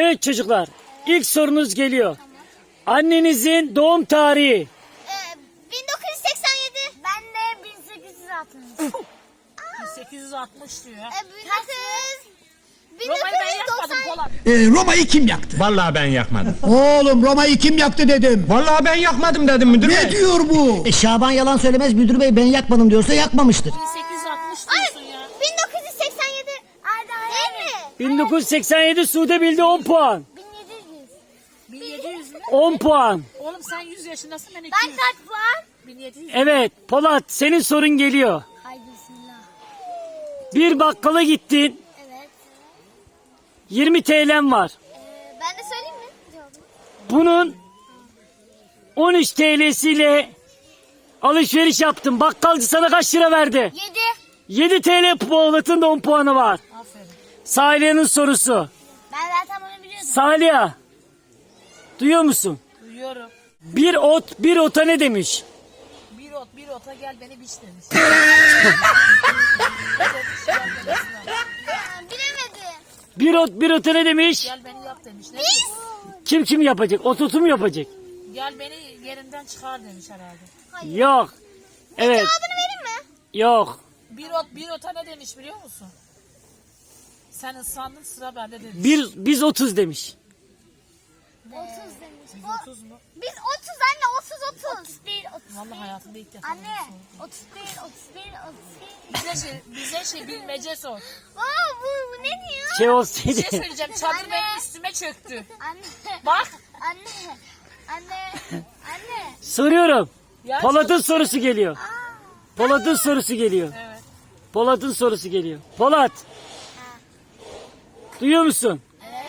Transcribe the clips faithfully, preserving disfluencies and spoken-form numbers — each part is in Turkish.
Evet çocuklar, ilk sorunuz geliyor. Annenizin doğum tarihi. Ee, bin dokuz yüz seksen yedi. Ben de bin sekiz yüz altmış. bin sekiz yüz altmış diyor. Ee, bin dokuz yüz. Roma'yı ben yakmadım Polat. Ee, Roma'yı kim yaktı? Vallahi ben yakmadım. Oğlum Roma'yı kim yaktı dedim. Vallahi ben yakmadım dedim müdür Ne bey. diyor bu? E, Şaban yalan söylemez, müdür bey ben yakmadım diyorsa yakmamıştır. bin sekiz yüz altmış diyorsun ya. bin dokuz yüz seksen yedi. Değil mi? bin dokuz yüz seksen yedi Sude bildi on puan. bin yedi yüz. bin yedi yüz mü? on puan. Oğlum sen yüz yaşındasın ben iki Ben yüz. kaç puan? bin yedi yüz. Evet Polat, senin sorun geliyor. Haydi bismillah. Bir bakkala gittin, Evet. yirmi T L'm var. Ee, ben de söyleyeyim mi cevabını? Bunun on üç T L'siyle alışveriş yaptın. Bakkalcı sana kaç lira verdi? yedi. yedi T L Polat'ın da on puanı var. Aferin. Saliha'nın sorusu. Ben zaten bunu biliyordum. Salih'a, duyuyor musun? Duyuyorum. Bir ot bir ota ne demiş? Bir ot bir ota gel beni biç demiş. Ee, bilemedim. Bir ot bir ota ne demiş? Gel beni yap demiş. Ne Biz. Kim kim yapacak? Ot otu mu yapacak? Gel beni yerinden çıkar demiş herhalde. Yok. Evet. Cevabını vereyim mi? Yok. Bir ot bir ota ne demiş biliyor musun? Sen ısrandın sıra bende demiş. Bir biz otuz demiş. otuz demiş. Biz O- otuz mu? Biz otuz anne otuz otuz. otuz bir otuz. Vallahi hayatımda ilk defa. Anne otuz bir otuz bir otuz bir. Bize şey, bize şey bilmece sor. Aa bu, bu ne diyor? Şey Bir olsaydı. şey söyleyeceğim. Çadır Anne. benim üstüme çöktü. Anne. Bak. Anne. Anne. Anne. Soruyorum. Ya Polat'ın sorusu geliyor. Polat'ın sorusu geliyor. Evet. Polat'ın sorusu geliyor. Polat. Duyuyor musun? Evet.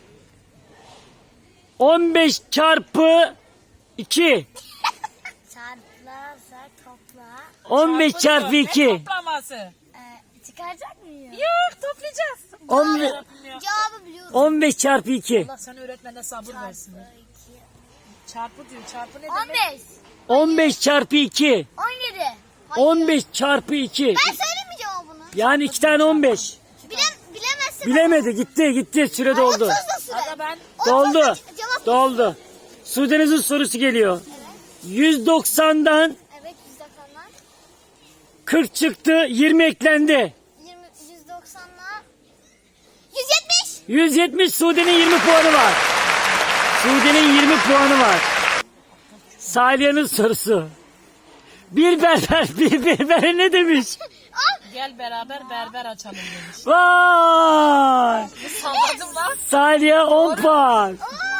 on beş çarpı iki. Çarplarsa topla. on beş çarpı Ne iki. toplaması? Ee, çıkaracak mıyım? Yok toplayacağız. on beş, Cevabı biliyorum. on beş çarpı iki. Allah sana öğretmene sabır versin. Çarpı diyor. Çarpı ne on demek? beş. on beş çarpı iki. on yedi. Hayır. on beş çarpı iki. Ben söyleyeyim mi cevabını? Yani iki tane on beş. Bilem, bilemezsin. Bilemedi, gitti gitti, süre doldu. otuz da süre. Aga ben Doldu. otuz da cevap. Doldu. Sudeniz'in sorusu geliyor. yüz doksandan Evet yüz doksanlar. kırk çıktı, yirmi eklendi. yirmi, yüz doksanlar. yüz yetmiş. yüz yetmiş, Sude'nin yirmi puanı var. Sude'nin yirmi puanı var. Saliha'nın sorusu. Bir berber bir berbere ne demiş? gel beraber berber açalım demiş. Vay! Salladım lan. Saliha on puan.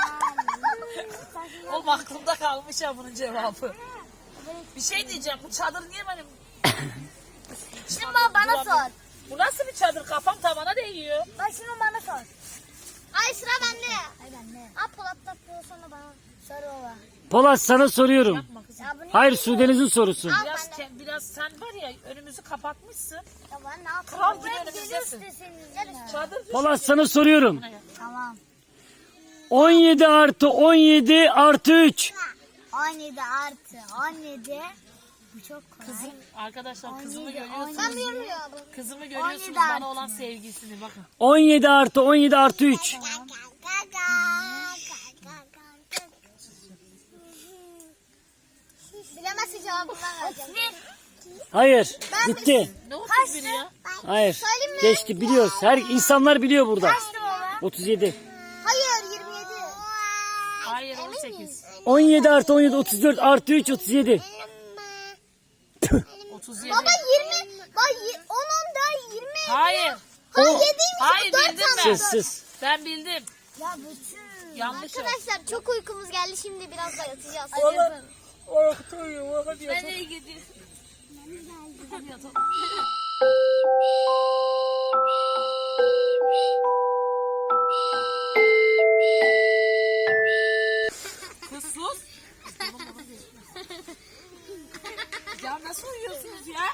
Oğlum aklımda kalmış ya bunun cevabı. Bir şey diyeceğim. Bu çadır niye benim... Şimdi bana, bana sor. Bu nasıl bir çadır? Kafam tavana değiyor. Bak şimdi bana sor. Ay sıra bende. Ay bende. Aa Polat da sonra bana sor ola. Polat sana soruyorum. Yapma kızım. Ya bu ne? Hayır, Sudeniz'in sorusu. Al Biraz, bende. ke- biraz sen var ya önümüzü kapatmışsın. Ya ben ne yapayım? Kral gibi Buraya önümüzdesin. geliyoruz da senin yüzünden. Çadır düşün. Polat sana soruyorum. Tamam. on yedi artı on yedi artı üç. on yedi artı on yedi. Bu çok kolay. Kızım, arkadaşlar kızımı on yedi, görüyorsunuz. Ben biliyorum ya bu. Kızımı görüyorsunuz on yedi bana artı. olan sevgisini bakın. on yedi artı on yedi artı üç. Bilemezsin cevabını ben vereceğim. Hayır, gitti. Ne otuz biri ya? Hayır, Söyleyeyim mi? geçti, biliyoruz. Her insanlar biliyor burada. Kaçtı baba? otuz yedi. Hayır yirmi yedi. Hayır on sekiz. on yedi artı on yedi otuz dört artı üç otuz yedi. otuz yedi. Baba yirmi. Bak y- on on da yirmi. Hayır. O yediymiş. Hayır dört bildim tane. ben. sessiz. Ben bildim. Ya bütün. Yanlış o. Arkadaşlar çok uykumuz geldi. Şimdi biraz da yatacağız. Ben de gidiyorum. Hadi yatalım. Kız sus. Ya nasıl uyuyorsunuz ya?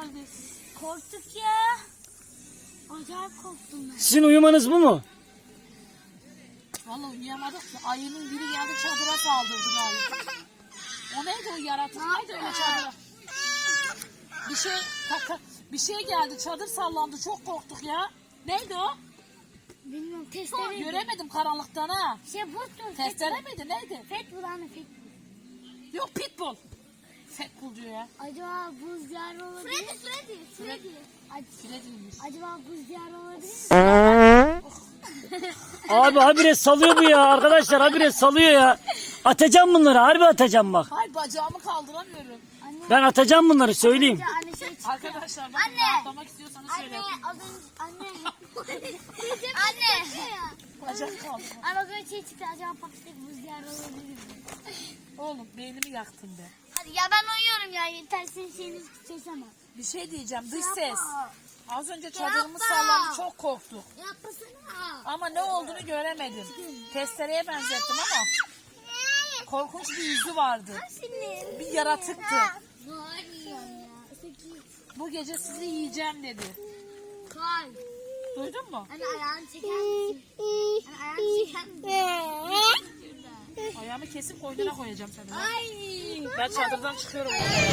geldi. Korktuk ya. Acayip korktum ben. Sizin uyumanız bu mu? Vallahi uyuyamadık ki. Ayının biri geldi çadıra saldırdı galiba. O neydi o yaratık? Neydi öyle çadıra? Bir şey kaka, bir şey geldi. Çadır sallandı. Çok korktuk ya. Neydi o? Bilmiyorum testere. Göremedim karanlıktan ha. Şey bottur. Testere miydi? Neydi? Fet bulanı fet. Yok pitbull. Pitbull diyor ya. Acaba buz diyarı olabilir mi? Freddy, Freddy, Freddy. Freddy'ymiş. Acaba buz diyarı olabilir mi? Abi habire salıyor bu ya arkadaşlar, habire salıyor ya. Atacağım bunları, harbi atacağım bak. Hayır bacağımı kaldıramıyorum. Ben atacağım bunları, söyleyeyim. Anne şey çıktı. Arkadaşlar bakın Anne. rahatlamak istiyorsanız şöyle Anne yapın. az önce anne. anne. Bacak kaldı. Anne az önce şey çıktı. Acaba Pakistan'daki buz diyarı olabilir mi? Oğlum beynimi yaktın be. Hadi ya ben uyuyorum ya. Yeter senin şeyini seseme. Bir şey diyeceğim dış ses. Yapma. Az önce çadırımız Yapma. sallandı çok korktuk. Yapmasana. Ama ne olduğunu göremedim. Testereye benzettim ama korkunç bir yüzü vardı. Senin. Bir yaratıktı. Var ya. Sekiz. Bu gece sizi yiyeceğim dedi. Kal. Duydun mu? Anne ayağını çeker misin? Anne ayağını çeker misin? Ayağımı kesip koynuna koyacağım seni. Ay. Ben çadırdan çıkıyorum.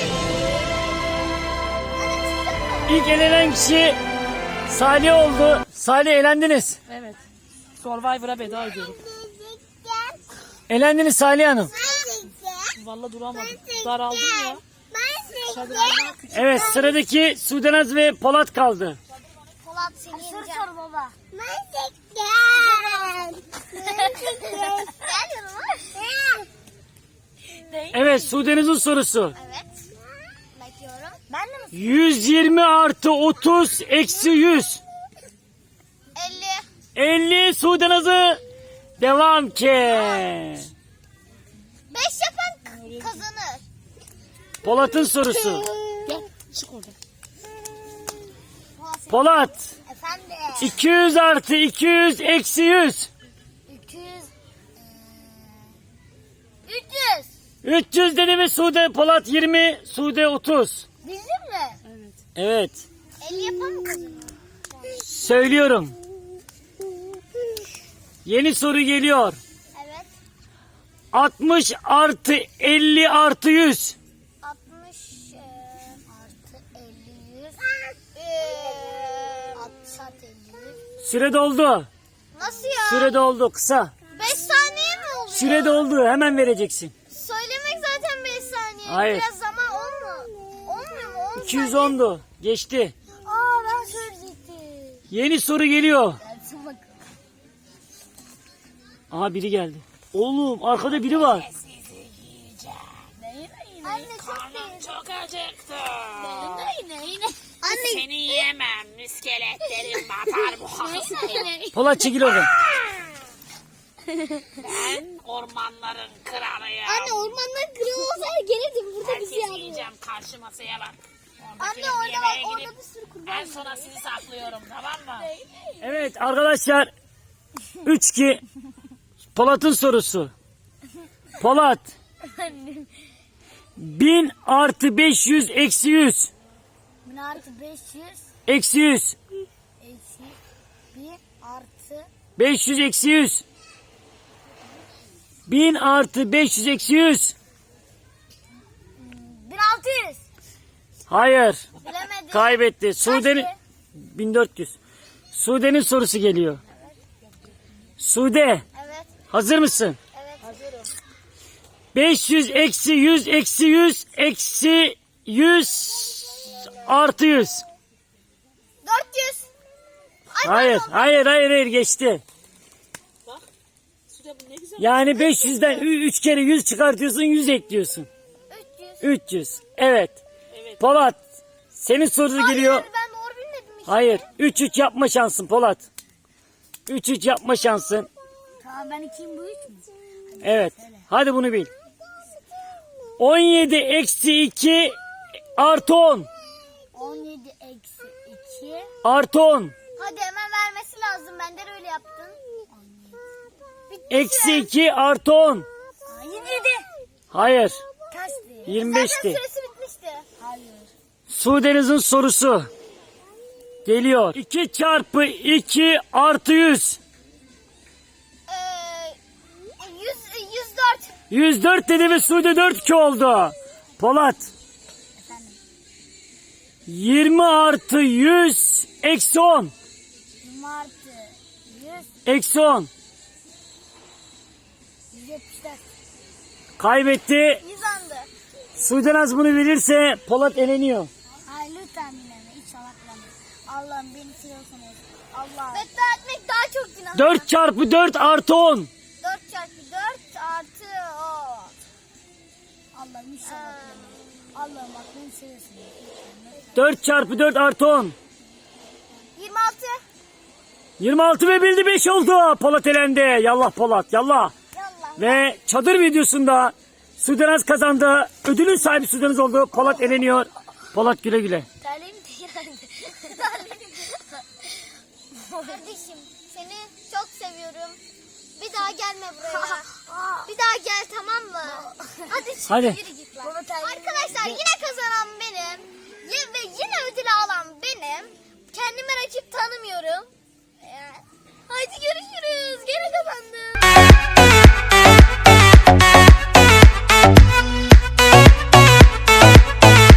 İlk elenen kişi Salih oldu. Salih, elendiniz. Evet. Survivor'a veda ediyorum. Elendiniz Salih Hanım. Vallahi duramadım. Daraldım ya. Çadırdan küçük. Evet, sıradaki Sudenaz ve Polat kaldı. Polat seni yeneceğim. Sor sor baba. Ben Gel yanıma. Evet, Sudenaz'ın sorusu. Evet. Bekliyorum. Ben de mi? yüz yirmi artı otuz eksi yüz. elli. elli Sudenaz'ı devam ki. beş yapan k- kazanır. Polat'ın sorusu. Gel çık oradan. Polat senin- Polat, Efendim. iki yüz artı iki yüz eksi yüz. iki yüz. üç yüz. üç yüz dedi mi Sude? Polat yirmi, Sude otuz. Bizim mi? Evet. Evet, elli yapan mı kazanır? söylüyorum. Yeni soru geliyor. Evet. altmış artı elli artı yüz. altmış e, artı elli yüz. E, altmış artı elli yüz. Süre doldu. Nasıl ya? Süre doldu, kısa. beş saniye mi oluyor? Süre doldu, hemen vereceksin. Söylemek zaten beş saniye. Hayır. Biraz zaman olmuyor. Olmuyor mu? on iki yüz saniye. ondu. Geçti. Aa ben söyleyecektim. Yeni soru geliyor. Gelsin bakalım. Aha, biri geldi. Oğlum, arkada biri var. Anne çok değil. Çok acıktı. Yine yine yine. Anne. Seni yemem. İskeletlerim batar boğazına. Yine. Polat, çekil oradan. Ben ormanların kralıyım. Anne ormandan kırıyor olsaydı gelirdim burada bizi Herkesi yarıyor. yiyeceğim. Karşı masaya bak. Anne Oradakileri orada yemeğe bak gidip orada bir sürü kurban en sona sizi saklıyorum, tamam mı? Evet arkadaşlar. üç iki. Polat'ın sorusu. Polat. bin artı beş yüz eksi yüz. bin artı beş yüz Eksi yüz. eksi bir artı beş yüz eksi yüz. bin artı beş yüz eksi yüz. bin altı yüz. Hayır. Bilemedim. Kaybetti. Sude'nin Kaçtı? bin dört yüz. Sude'nin sorusu geliyor. Sude, Evet. hazır mısın? Evet. Hazırım. beş yüz eksi yüz eksi yüz eksi yüz artı yüz. dört yüz. Ay, Hayır, pardon. hayır, hayır, hayır, geçti. Sude bu ne güzel. Yani beş yüzden üç kere yüz çıkartıyorsun, yüz ekliyorsun. üç yüz. üç yüz. Evet. Evet. Polat, senin sorusu geliyor. Hayır ben doğru bilmedim işte. Hayır, üç üç yapma şansın Polat. üç üç yapma şansın. Tamam ben ikiyim bu üç mü? Evet. Hadi bunu bil. on yedi eksi iki artı on. on yedi eksi iki. Artı on. Hadi hemen vermesi lazım. Ben de öyle yaptın. Bitti Eksi süren. iki artı on. Aa, yirmi yedi. Hayır. Kaçtı? yirmi Zaten beşti. süresi bitmişti. Hayır. Sudeniz'in sorusu geliyor. iki çarpı iki artı yüz. Ee, yüz, yüz dört. yüz dört dedi ve Sude dört iki oldu. Polat. yirmi artı yüz eksi on. yirmi artı yüz. Eksi on. yüz yetmiş dört. Kaybetti. yüz andı. Sudenaz bunu bilirse Polat eleniyor. Hayır lütfen dinleme. Hiç salaklama. Allah'ım beni seviyorsunuz. Allah. Beddua etmek daha çok günah. dört çarpı dört artı on. dört çarpı dört artı on. Allah'ım hiç salaklama. Allah'ım bak beni seviyorsunuz. dört çarpı dört artı on. yirmi altı. yirmi altı ve bildi beş oldu. Polat elendi. Yallah Polat yallah. Yallah. Ve çadır videosunda Sudenaz kazandı. Ödülün sahibi Sudenaz oldu. Polat eleniyor. Polat güle güle. Terliğim de yani. Kardeşim seni çok seviyorum. Bir daha gelme buraya. Bir daha gel tamam mı? Hadi şimdi Hadi. yürü git lan. Arkadaşlar yine kazanan benim. Ye- Ve yine ödülü alan benim. Kendime rakip tanımıyorum.